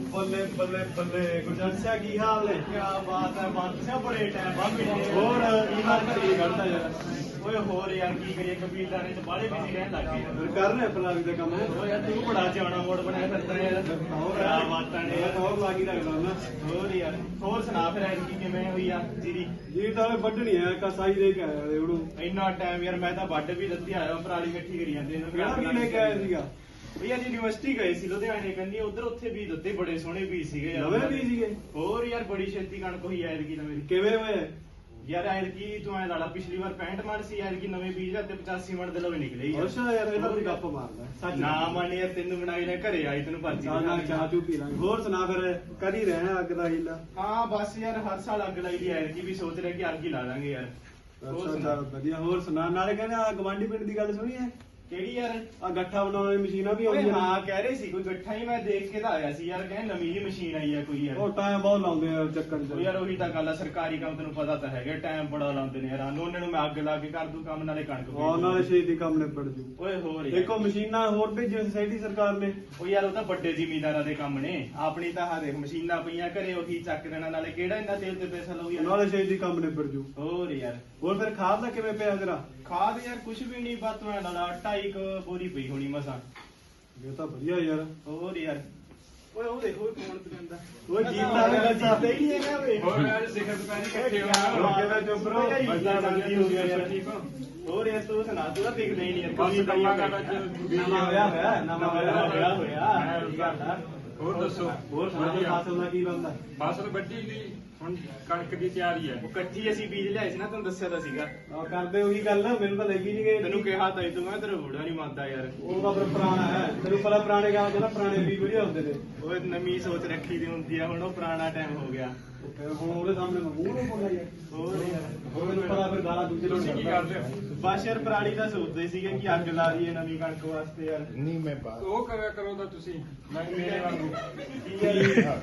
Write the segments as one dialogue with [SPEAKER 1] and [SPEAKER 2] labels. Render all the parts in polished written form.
[SPEAKER 1] ਬੱਲੇ ਬੱਲੇ ਬੱਲੇ ਗੁਰਜੰਸਿਆ ਕੀ ਹਾਲ ਨੇ?
[SPEAKER 2] क्या बात है बादशाह बड़े टाइम बाद मिले
[SPEAKER 1] ਹੋਰ ਕੀ ਹਾਲ ਕਰੀ ਕਰਦਾ ਯਾਰ?
[SPEAKER 2] ओए होर यार की करिए कबीलदारी च बड़े बिजी रहन लग गए
[SPEAKER 1] ਫਿਰ ਕਰ ਰਿਹਾ ਪਲਾਵੀ ਦਾ ਕੰਮ।
[SPEAKER 2] ओ यार तू बड़ा जाना मोड़ बनाया करता है यार
[SPEAKER 1] ਹੋਰ
[SPEAKER 2] क्या बात है यार
[SPEAKER 1] ਹੋਰ ਲਾਗੀ ਰੱਖਦਾ ਨਾ।
[SPEAKER 2] होर यार होर सुना फिर ऐड की किवें हुई आ जीरी
[SPEAKER 1] ਜੀ ਤਾਂ ਵੱਢਣੀ ਹੈ ਕਸਾਈ ਦੇ ਕੇ ਆਇਆ ਰੇ ਉਹਨੂੰ।
[SPEAKER 2] ਇੰਨਾ ਟਾਈਮ ਯਾਰ ਮੈਂ ਤਾਂ ਵੱਢ ਵੀ ਦਿੱਤੀ ਆਇਆ ਪਰਾਲੀ ਇਕੱਠੀ ਕਰੀ ਜਾਂਦੇ ਨੇ
[SPEAKER 1] ਕਿਹੜਾ ਕੀ ਲੈ ਕੇ ਆਇਆ ਸੀਗਾ?
[SPEAKER 2] ਵੀ ਯਾਰ ਯੂਨੀਵਰਸਿਟੀ ਗਏ ਸੀ ਲੁਧਿਆਣੇ ਕੰਨੀ ਉਧਰ ਉੱਥੇ ਵੀ ਦਿੱਤੇ ਬੜੇ ਸੋਹਣੇ ਬੀਜ ਸੀਗੇ ਯਾਰ
[SPEAKER 1] ਨਵੇਂ ਬੀਜ ਸੀਗੇ?
[SPEAKER 2] ਹੋਰ ਯਾਰ ਬੜੀ ਛੇਤੀ ਕਣਕ ਹੋਈ ਐਦ ਕੀ ਨਵੇਂ
[SPEAKER 1] ਕਿਵੇਂ ਹੋਏ?
[SPEAKER 2] ਯਾਰ ਐਦ ਕੀ ਤੂੰ ਐ ਲਾਲਾ ਪਿਛਲੀ ਵਾਰ 65 ਮਣ ਸੀ ਐਦ ਕੀ ਨਵੇਂ ਬੀਜ ਤੇ 85 ਮਣ ਦੇ ਲਵੇ ਨਿਕਲੇ ਯਾਰ
[SPEAKER 1] ਅੱਛਾ ਯਾਰ ਇਹਦਾ ਵੀ ਗੱਪ ਮਾਰਦਾ ਸੱਚ
[SPEAKER 2] ਨਾ ਮੰਨ ਯਾਰ ਤੈਨੂੰ ਬਣਾਈ ਨੇ ਘਰੇ ਆਈ ਤੈਨੂੰ ਪਰਚੀ
[SPEAKER 1] ਚਾਹ ਨਾਲ ਚਾਹ ਚੂ ਪੀ ਲਾਂਗੇ। ਹੋਰ ਸੁਣਾ ਫਿਰ ਕਰ ਹੀ ਰਹੇ ਅੱਗ ਦਾ ਹੀਲਾ।
[SPEAKER 2] ਹਾਂ ਬਸ ਯਾਰ ਹਰ ਸਾਲ ਅੱਗ ਲਾਈ ਦੀ ਐਦ ਕੀ ਵੀ ਸੋਚ ਰਿਹਾ ਕਿ ਅੱਗ ਹੀ ਲਾ ਦਾਂਗੇ ਯਾਰ ਹੋਰ
[SPEAKER 1] ਅੱਛਾ
[SPEAKER 2] ਸੁਣਾ।
[SPEAKER 1] ਚੱਲ ਵਧੀਆ। ਹੋਰ ਸੁਣਾ ਨਾਲੇ ਕਹਿੰਦੇ ਆ ਗਵਾਂਢੀ ਪਿੰਡ ਦੀ ਗੱਲ ਸੁਣੀ ਹੈ?
[SPEAKER 2] ਕਿਹੜੀ ਯਾਰ
[SPEAKER 1] ਆ ਗੱਠਾ ਬਣਾਉਣ ਵਾਲੀ ਮਸ਼ੀਨਾਂ ਵੀ
[SPEAKER 2] ਓਏ
[SPEAKER 1] ਆਉਂਦੀਆਂ ਨੇ।
[SPEAKER 2] ਹਾਂ ਕਹਿ ਰਹੇ ਸੀ ਕੋਈ ਗੱਠਾ ਹੀ ਮੈਂ ਦੇਖ ਕੇ ਤਾਂ ਆਇਆ ਸੀ ਯਾਰ ਕਹਿੰਦੇ ਨਵੀਂ ਜਿਹੀ ਮਸ਼ੀਨ ਆਈ ਆ ਕੋਈ ਯਾਰ
[SPEAKER 1] ਉਹ ਟਾਈਮ ਬਹੁਤ ਲਾਉਂਦੇ ਆ ਚੱਕਰ
[SPEAKER 2] ਉਹ
[SPEAKER 1] ਚ।
[SPEAKER 2] ਯਾਰ ਉਹੀ ਤਾਂ ਗੱਲ ਆ ਸਰਕਾਰੀ ਕੰਮ ਤੈਨੂੰ ਪਤਾ ਤਾਂ ਹੈਗਾ ਟਾਈਮ ਬੜਾ ਲਾਉਂਦੇ ਨੇ ਯਾਰ ਉਹਨਾਂ ਨੂੰ ਮੈਂ ਅੱਗ ਲਾ ਕੇ ਕਰ ਦੂ ਕੰਮ ਨਾਲੇ ਕਣਕ
[SPEAKER 1] ਉਹ ਨਾਲੇ ਛੇਤੀ ਕੰਮ ਨਿਬੜ ਜੂ।
[SPEAKER 2] ਓਏ ਹੋਰ ਯਾਰ।
[SPEAKER 1] ਦੇਖੋ ਮਸ਼ੀਨਾਂ ਹੋਰ ਭੇਜੀਆਂ ਸੋਸਾਇਟੀ ਸਰਕਾਰ ਨੇ।
[SPEAKER 2] ਉਹ ਯਾਰ ਉਹ ਤਾਂ ਵੱਡੇ ਜ਼ਿਮੀਂਦਾਰਾਂ ਦੇ ਕੰਮ ਨੇ ਆਪਣੀ ਤਾਂ ਹਾਂ ਦੇਖ ਮਸ਼ੀਨਾਂ ਪਈਆਂ ਘਰੇ ਉਹੀ ਚੱਕ ਦੇਣਾ ਨਾਲੇ ਕਿਹੜਾ ਇੰਨਾ ਤੇਲ ਤੇ ਪੈਸਾ ਲਊ ਯਾਰ
[SPEAKER 1] ਨਾਲੇ ਛੇਤੀ ਕੰਮ ਨਿਬੜ ਜੂ।
[SPEAKER 2] ਹੋਰ ਯਾਰ
[SPEAKER 1] ਹੋਰ ਫਿਰ ਖਾਦ ਦਾ ਕਿਵੇਂ ਪਿਆ ਤੇਰਾ?
[SPEAKER 2] ਖਾਦ ਯਾਰ ਕੁਛ ਵੀ ਨਹੀਂ ਬਸ ਮੈਂ ਲਾਲਾ 2.5 ਬੋਰੀ ਪਈ ਹੋਣੀ ਮਸਾਂ
[SPEAKER 1] ਇਹ ਤਾਂ ਵਧੀਆ ਯਾਰ।
[SPEAKER 2] ਹੋਰ ਯਾਰ ਓਏ ਉਹ ਦੇਖੋ ਕੌਣ ਪਜਾਂਦਾ
[SPEAKER 1] ਓਏ ਗੀਤ ਲਾ ਕੇ ਬੱਚਾ
[SPEAKER 2] ਤੇ ਹੀ ਹੈਗਾ ਵੇ
[SPEAKER 3] ਹੋਰ ਯਾਰ ਸਿਖਰ ਦੁਕਾਨੀ ਇਕੱਠੇ
[SPEAKER 1] ਰੋਕੇ ਦਾ ਚੁੱਪ ਰਹੋ।
[SPEAKER 2] ਬੱਚਾ ਜਲਦੀ ਹੋ ਗਿਆ ਯਾਰ
[SPEAKER 3] ਠੀਕ ਹੋ
[SPEAKER 2] ਹੋਰ ਯਾਰ ਤੂੰ ਸੁਣਾ ਤੂੰ ਤਾਂ ਦਿਖਦਾ ਹੀ ਨਹੀਂ ਯਾਰ
[SPEAKER 3] ਬਸ
[SPEAKER 2] ਕਦੀ
[SPEAKER 3] ਕੰਮਾਂ
[SPEAKER 2] ਪਈਆਂ
[SPEAKER 3] ਕਾਰਾਂ ਚ
[SPEAKER 1] ਨਵਾਂ ਹੋਇਆ ਨਵਾਂ
[SPEAKER 2] ਹੋਇਆ ਕੀ ਗੱਲ ਆ
[SPEAKER 3] ਹੋਰ ਦੱਸੋ
[SPEAKER 1] ਹੋਰ ਸੁਣਾ ਤੂੰ ਫਸਲ ਦਾ ਕੀ ਬੰਦਾ?
[SPEAKER 3] ਫਸਲ ਵੱਢੀ ਦੀ ਹੁਣ ਕਣਕ ਦੀ ਤਿਆਰੀ ਹੈ
[SPEAKER 2] ਉਹ ਕੱਚੀ ਅਸੀਂ ਬੀਜ ਲਿਆਏ ਸੀ ਨਾ ਤੈਨੂੰ ਦੱਸਿਆ ਤਾਂ ਸੀਗਾ
[SPEAKER 1] ਆ ਕਰਦੇ ਉਹੀ ਗੱਲ ਮੈਨੂੰ ਤਾਂ ਲੱਗੀ ਨਹੀਂ ਗਈ।
[SPEAKER 2] ਤੈਨੂੰ ਕਿਹਾ ਤਾਂ ਤੂੰ ਮੈਂ ਤੇਰਾ ਬੁੜਾ ਨਹੀਂ ਮੰਨਦਾ ਯਾਰ
[SPEAKER 1] ਉਹ ਤਾਂ ਫਿਰ ਪੁਰਾਣਾ ਹੈ ਤੈਨੂੰ ਪਤਾ ਪੁਰਾਣੇ ਗਾਂ ਦੇ ਨਾ ਪੁਰਾਣੇ ਵੀ ਵਧੀਆ ਹੁੰਦੇ ਨੇ।
[SPEAKER 2] ਓਏ ਨਵੀਂ ਸੋਚ ਰੱਖੀ ਦੀ ਹੁੰਦੀ ਆ ਹੁਣ ਉਹ ਪੁਰਾਣਾ ਟਾਈਮ ਹੋ ਗਿਆ
[SPEAKER 1] ਫਿਰ ਹੁਣ ਉਹਦੇ ਸਾਹਮਣੇ ਮੈਂ ਮੂੰਹ ਨੂੰ ਬੋਲਿਆ ਯਾਰ।
[SPEAKER 2] ਹੋਰ ਯਾਰ
[SPEAKER 1] ਹੋਰ ਮੈਨੂੰ ਪਤਾ ਫਿਰ ਗਾਲਾਂ ਦੂਜੇ ਨੂੰ
[SPEAKER 3] ਤੁਸੀਂ ਕੀ ਕਰਦੇ ਹੋ
[SPEAKER 2] ਬਸ ਯਾਰ ਪੁਰਾਣੀ ਦਾ ਸੋਚਦੇ ਸੀਗੇ ਕਿ ਅੱਗ ਲਾ ਦਈਏ ਨਵੀਂ ਕਣਕ ਵਾਸਤੇ ਯਾਰ
[SPEAKER 4] ਨਹੀਂ ਮੈਂ ਬਾਤ
[SPEAKER 3] ਉਹ ਕਰਿਆ ਕਰੋ ਤਾਂ ਤੁਸੀਂ ਮੈਂ ਮੇਰੇ ਵਾਂਗੂ
[SPEAKER 2] ਕੀ ਯਾਰ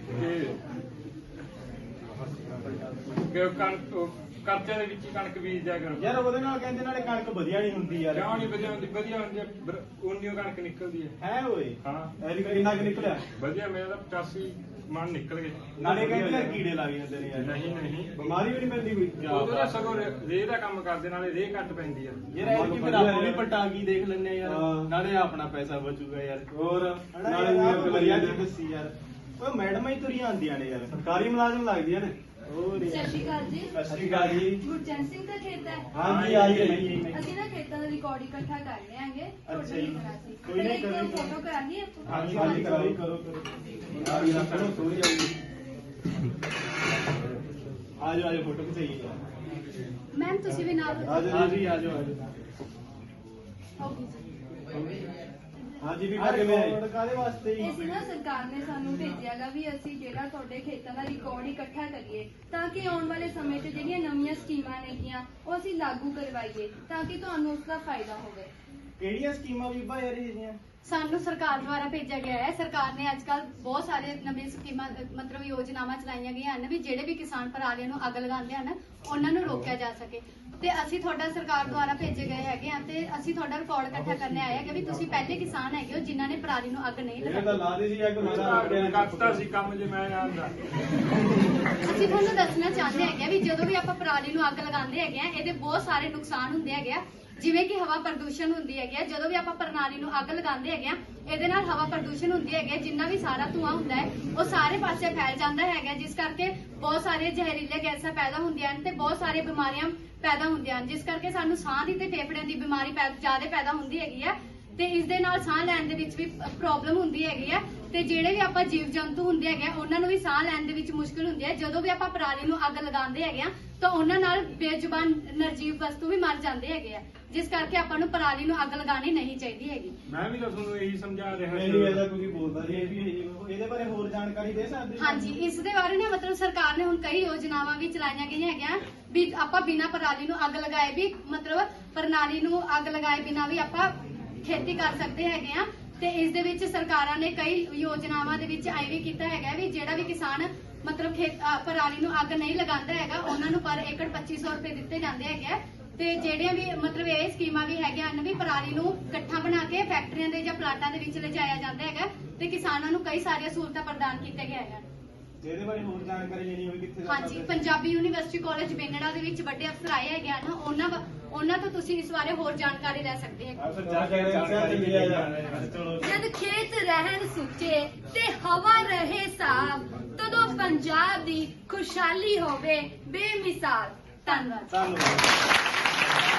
[SPEAKER 3] ਕਿ ਕਣਕ ਕਰਜ਼ੇ ਦੇ ਵਿੱਚ ਹੀ ਕਣਕ ਬੀਜ ਦਿਆ ਕਰੋ
[SPEAKER 2] ਯਾਰ ਉਹਦੇ ਨਾਲ ਕਹਿੰਦੇ ਨਾਲੇ ਕਣਕ ਵਧੀਆ ਨਹੀਂ ਹੁੰਦੀ ਯਾਰ
[SPEAKER 3] ਕਿਉਂ ਨਹੀਂ ਵਧੀਆ ਹੁੰਦੀ ਵਧੀਆ ਹੁੰਦੀ ਹੈ ਉਨੀਓ ਕਣਕ ਨਿਕਲਦੀ ਹੈ
[SPEAKER 2] ਹੈ ਓਏ
[SPEAKER 3] ਹਾਂ
[SPEAKER 1] ਐਰੀ ਕਿੰਨਾ ਕੁ ਨਿਕਲਿਆ?
[SPEAKER 3] ਵਧੀਆ ਮੇਰਾ ਤਾਂ 85 ਮਣ ਨਿਕਲ ਗਏ
[SPEAKER 2] ਨਾਲੇ ਕਹਿੰਦੇ ਯਾਰ ਕੀੜੇ ਲੱਗ ਜਾਂਦੇ ਨੇ ਯਾਰ
[SPEAKER 3] ਨਹੀਂ ਨਹੀਂ
[SPEAKER 1] ਬਿਮਾਰੀ ਵੀ ਨਹੀਂ ਪੈਂਦੀ ਕੋਈ?
[SPEAKER 3] ਉਹਦੇ ਨਾਲ ਸਗੋਂ ਰੇਹ ਦਾ ਕੰਮ ਕਰਦੇ ਨਾਲੇ ਰੇਹ ਘੱਟ ਪੈਂਦੀ ਆ
[SPEAKER 2] ਯਾਰ ਇਹ ਕਿ ਫਿਰ ਆਪਾਂ ਵੀ ਪਟਾਕੀ ਦੇਖ ਲੈਣੇ ਯਾਰ
[SPEAKER 1] ਹਾਂ।
[SPEAKER 2] ਨਾਲੇ ਆਪਣਾ ਪੈਸਾ ਬਚੂਗਾ ਯਾਰ
[SPEAKER 1] ਹੋਰ
[SPEAKER 2] ਹਨਾ
[SPEAKER 1] ਨਾਲੇ
[SPEAKER 2] ਯਾਰ
[SPEAKER 1] ਵੀ
[SPEAKER 2] ਵਧੀਆ
[SPEAKER 1] ਵਧੀਆ
[SPEAKER 2] ਜੀ ਦੱਸੀ ਯਾਰ ਓਏ ਮੈਡਮਾਂ ਹੀ ਤੁਰੀਆਂ ਆਉਂਦੀਆਂ ਨੇ ਯਾਰ
[SPEAKER 1] ਸਰਕਾਰੀ ਮੁਲਾਜ਼ਮ ਲੱਗਦੀਆਂ ਨੇ।
[SPEAKER 2] ਹੋਰ
[SPEAKER 5] ਸਤਿ ਸ਼੍ਰੀ ਅਕਾਲ ਜੀ।
[SPEAKER 2] ਸਤਿ ਸ਼੍ਰੀ ਅਕਾਲ ਜੀ
[SPEAKER 5] ਗੁਰਜੰਟ ਸਿੰਘ ਦਾ ਖੇਤ ਹੈ।
[SPEAKER 1] ਹਾਂਜੀ ਆਈ ਹੈ।
[SPEAKER 5] ਅਸੀਂ ਨਾ ਖੇਤਾਂ ਦਾ ਰਿਕਾਰਡ ਇਕੱਠਾ ਕਰ ਰਹੇ ਆਂਗੇ
[SPEAKER 2] ਅੱਛਾ ਜੀ।
[SPEAKER 5] ਕੋਈ ਨਹੀਂ ਫੋਟੋ ਕਰਾਂਗੇ
[SPEAKER 2] ਹਾਂਜੀ ਹਾਂਜੀ ਕਰੋ ਕਰੋ
[SPEAKER 1] ਆ ਵੀ ਨਾ ਕਰੋ ਸੋਈ ਜਾਊਗੀ।
[SPEAKER 2] ਆ ਜਾਓ ਫੋਟੋ ਖਿਚਾਈਏ ਯਾਰ
[SPEAKER 5] ਮੈਮ ਤੁਸੀਂ ਵੀ ਨਾਲ
[SPEAKER 1] ਆ ਜਾਓ
[SPEAKER 2] ਆ ਜੀ ਆ ਜਾਓ
[SPEAKER 1] ਹਾਂਜੀ ਵੀ ਕਿਵੇਂ ਆਏ?
[SPEAKER 2] ਕਾਦੇ ਵਾਸਤੇ
[SPEAKER 5] ਇਹ ਸੀ ਨਾ ਸਰਕਾਰ ਨੇ ਸਾਨੂੰ ਭੇਜਿਆਗਾ ਵੀ ਅਸੀਂ ਜਿਹੜਾ ਤੁਹਾਡੇ ਖੇਤਾਂ ਦਾ ਰਿਕਾਰਡ ਇਕੱਠਾ ਕਰੀਏ ਤਾਂ ਕਿ ਆਉਣ ਵਾਲੇ ਸਮੇਂ 'ਚ ਜਿਹੜੀਆਂ ਨਵੀਆਂ ਸਕੀਮਾਂ ਨੇਗੀਆਂ ਉਹ ਅਸੀਂ ਲਾਗੂ ਕਰਵਾਈਏ ਤਾਂ ਕਿ ਤੁਹਾਨੂੰ ਉਸ ਦਾ ਫਾਇਦਾ ਹੋਵੇ।
[SPEAKER 2] ਕਿਹੜੀਆਂ ਸਕੀਮਾਂ ਬੀਬਾ ਯਾਰ ਇਹਦੀਆਂ
[SPEAKER 5] ਸਾਨੂੰ ਸਰਕਾਰ ਦੁਆਰਾ ਭੇਜਿਆ ਗਿਆ ਹੈ। ਸਰਕਾਰ ਨੇ ਅੱਜਕੱਲ ਬਹੁਤ ਸਾਰੇ ਨਵੀਆਂ ਸਕੀਮਾਂ ਮਤਲਬ ਯੋਜਨਾਵਾਂ ਚਲਾਈਆਂ ਗਈਆਂ ਹਨ ਵੀ ਜਿਹੜੇ ਵੀ ਕਿਸਾਨ ਪਰਾਲੀਆਂ ਨੂੰ ਅੱਗ ਲਗਾਉਂਦੇ ਹਨ ਉਹਨਾਂ ਨੂੰ ਰੋਕਿਆ ਜਾ ਸਕੇ ਤੇ ਅਸੀਂ ਤੁਹਾਡਾ ਸਰਕਾਰ ਦੁਆਰਾ ਭੇਜੇ ਗਏ ਹੈਗੇ ਆ ਤੇ ਅਸੀਂ ਤੁਹਾਡਾ ਰਿਕਾਰਡ ਇਕੱਠਾ ਕਰਨ ਆਏ ਹੈਗੇ ਵੀ ਤੁਸੀਂ ਪਹਿਲੇ ਕਿਸਾਨ ਹੈਗੇ ਹੋ ਜਿਨ੍ਹਾਂ ਨੇ ਪਰਾਲੀ ਨੂੰ ਅੱਗ ਨਹੀਂ
[SPEAKER 1] ਇਹ ਤਾਂ
[SPEAKER 5] ਲਗਾਈ।
[SPEAKER 1] ਲਾ ਦੇ ਸੀ ਅੱਗ ਮਾਰਾ
[SPEAKER 3] ਕਰਤਾ ਸੀ ਕੰਮ ਜੇ ਮੈਂ ਆਂਦਾ
[SPEAKER 5] ਅਸੀਂ ਤੁਹਾਨੂੰ ਦੱਸਣਾ ਚਾਹੁੰਦੇ ਹੈਗੇ ਆ ਵੀ ਜਦੋਂ ਵੀ ਆਪਾਂ ਪਰਾਲੀ ਨੂੰ ਅੱਗ ਲਗਾਉਂਦੇ ਹੈਗੇ ਆ ਇਹਦੇ ਬਹੁਤ ਸਾਰੇ ਨੁਕਸਾਨ ਹੁੰਦੇ ਹੈਗੇ ਆ ਜਿਵੇਂ ਕਿ ਹਵਾ ਪ੍ਰਦੂਸ਼ਣ ਹੁੰਦੀ ਹੈਗੀ ਆ। ਜਦੋਂ ਵੀ ਆਪਾਂ ਪਰਾਲੀ ਨੂੰ ਅੱਗ ਲਗਾਉਂਦੇ ਹੈਗੇ ਆ ਇਹਦੇ ਨਾਲ ਹਵਾ ਪ੍ਰਦੂਸ਼ਣ ਹੁੰਦੀ ਹੈਗੀ ਆ। ਜਿੰਨਾ ਵੀ ਸਾਰਾ ਧੂਆਂ ਹੁੰਦਾ ਹੈ ਉਹ ਸਾਰੇ ਪਾਸੇ ਫੈਲ ਜਾਂਦਾ ਹੈਗਾ ਜਿਸ ਕਰਕੇ ਬਹੁਤ ਸਾਰੇ ਜ਼ਹਿਰੀਲੇ ਗੈਸਾਂ ਪੈਦਾ ਹੁੰਦੀਆਂ ਹਨ ਤੇ ਬਹੁਤ ਸਾਰੀਆਂ ਬਿਮਾਰੀਆਂ ਪੈਦਾ ਹੁੰਦੀਆਂ ਹਨ ਜਿਸ ਕਰਕੇ ਸਾਨੂੰ ਸਾਹ ਦੀ ਤੇ ਫੇਫੜਿਆਂ ਦੀ ਬਿਮਾਰੀ ਜ਼ਿਆਦਾ ਪੈਦਾ ਹੁੰਦੀ ਹੈਗੀ ਆ ਤੇ ਇਸ ਦੇ ਨਾਲ ਸਾਹ ਲੈਣ ਦੇ ਵਿੱਚ ਵੀ ਪ੍ਰੋਬਲਮ ਹੁੰਦੀ ਹੈਗੀ ਆ ਤੇ ਜਿਹੜੇ ਵੀ ਆਪਾਂ ਜੀਵ ਜੰਤੂ ਹੁੰਦੇ ਹੈਗੇ ਉਹਨਾਂ ਨੂੰ ਵੀ ਸਾਹ ਲੈਣ ਦੇ ਵਿੱਚ ਮੁਸ਼ਕਲ ਹੁੰਦੀ ਹੈ। ਜਦੋਂ ਵੀ ਆਪਾਂ ਪਰਾਲੀ ਨੂੰ ਅੱਗ ਲਗਾਉਂਦੇ ਹੈਗੇ ਆ ਤਾਂ ਉਹਨਾਂ ਨਾਲ ਬੇਜ਼ੁਬਾਨ ਨਿਰਜੀਵ ਵਸਤੂ ਵੀ ਮਰ ਜਾਂਦੇ ਹੈਗੇ ਆ ਜਿਸ ਕਰਕੇ ਆਪਾਂ ਨੂੰ ਪਰਾਲੀ ਨੂੰ ਅੱਗ ਲਗਾਉਣੀ ਨਹੀਂ ਚਾਹੀਦੀ ਹੈਗੀ।
[SPEAKER 3] ਮੈਂ ਵੀ ਤਾਂ ਤੁਹਾਨੂੰ ਇਹੀ ਸਮਝਾ ਰਿਹਾ
[SPEAKER 1] ਨਹੀਂ ਇਹਦਾ ਕੋਈ ਬੋਲਦਾ
[SPEAKER 2] ਇਹ
[SPEAKER 1] ਨਹੀਂ।
[SPEAKER 2] ਵੀ ਇਹਦੇ ਬਾਰੇ ਹੋਰ ਜਾਣਕਾਰੀ ਦੇ ਸਕਦੇ ਹੋ?
[SPEAKER 5] ਹਾਂਜੀ ਇਸ ਦੇ ਬਾਰੇ ਨਾ ਮਤਲਬ ਸਰਕਾਰ ਨੇ ਹੁਣ ਕਈ ਯੋਜਨਾਵਾਂ ਵੀ ਚਲਾਈਆਂ ਗਈਆਂ ਹੈਗੀਆਂ ਵੀ ਆਪਾਂ ਬਿਨਾਂ ਪਰਾਲੀ ਨੂੰ ਅੱਗ ਲਗਾਏ ਵੀ ਮਤਲਬ ਪ੍ਰਣਾਲੀ ਨੂੰ ਅੱਗ ਲਗਾਏ ਬਿਨਾਂ ਵੀ ਆਪਾਂ ਖੇਤੀ ਕਰ ਸਕਦੇ ਹੈਗੇ ਆ ਤੇ ਇਸ ਦੇ ਵਿੱਚ ਸਰਕਾਰਾਂ ਨੇ ਕਈ ਯੋਜਨਾਵਾਂ ਦੇ ਵਿੱਚ ਐ ਵੀ ਕੀਤਾ ਹੈਗਾ ਵੀ ਜਿਹੜਾ ਵੀ ਕਿਸਾਨ ਮਤਲਬ ਪਰਾਲੀ ਨੂੰ ਅੱਗ ਨਹੀਂ ਲਗਾਉਂਦਾ ਹੈਗਾ ਉਹਨਾਂ ਨੂੰ ਪਰ ਏਕੜ 2500 ਰੁਪਏ ਦਿੱਤੇ ਜਾਂਦੇ ਹੈਗੇ ਤੇ ਜਿਹੜੀਆਂ ਵੀ ਮਤਲਬ ਇਹ ਸਕੀਮਾਂ ਵੀ ਹੈਗੀਆਂ ਹਨ ਵੀ ਪਰਾਲੀ ਨੂੰ ਇਕੱਠਾ ਬਣਾ ਕੇ ਫੈਕਟਰੀਆਂ ਦੇ ਜਾਂ ਪਲਾਟਾਂ ਦੇ ਵਿੱਚ ਲਿਜਾਇਆ ਜਾਂਦਾ ਹੈਗਾ ਤੇ ਕਿਸਾਨਾਂ ਨੂੰ ਕਈ ਸਾਰੀਆਂ ਸਹੂਲਤਾਂ ਪ੍ਰਦਾਨ ਕੀਤੀਆਂ ਗਈਆਂ ਹਨ।
[SPEAKER 1] ਇਹਦੇ ਬਾਰੇ ਹੋਰ ਜਾਣਕਾਰੀ ਲੈਣੀ ਹੋਵੇ ਕਿੱਥੇ ਜਾ
[SPEAKER 5] ਹਾਂਜੀ, ਪੰਜਾਬੀ ਯੂਨੀਵਰਸਿਟੀ ਕਾਲਜ ਬੇਨੜਾ ਦੇ ਵਿੱਚ ਵੱਡੇ ਅਫਸਰ ਆਏ ਹੈਗੇ ਹਨ, ਉਹਨਾਂ ਤੋਂ ਤੁਸੀਂ ਇਸ ਬਾਰੇ ਹੋਰ ਜਾਣਕਾਰੀ ਲੈ ਸਕਦੇ ਹੋ।
[SPEAKER 2] ਅਫਸਰ ਜਾ ਕੇ ਜਾਣਕਾਰੀ ਮਿਲਿਆ ਜਾਵੇ। ਚਲੋ
[SPEAKER 4] ਜਦ ਖੇਤ ਰਹਿਣ ਸੁੱਚੇ ਤੇ ਹਵਾ ਰਹੇ ਸਾਫ, ਤਦੋਂ ਪੰਜਾਬ ਦੀ ਖੁਸ਼ਹਾਲੀ ਹੋਵੇ ਬੇਮਿਸਾਲ। ਧੰਨਵਾਦ।
[SPEAKER 2] ਧੰਨਵਾਦ।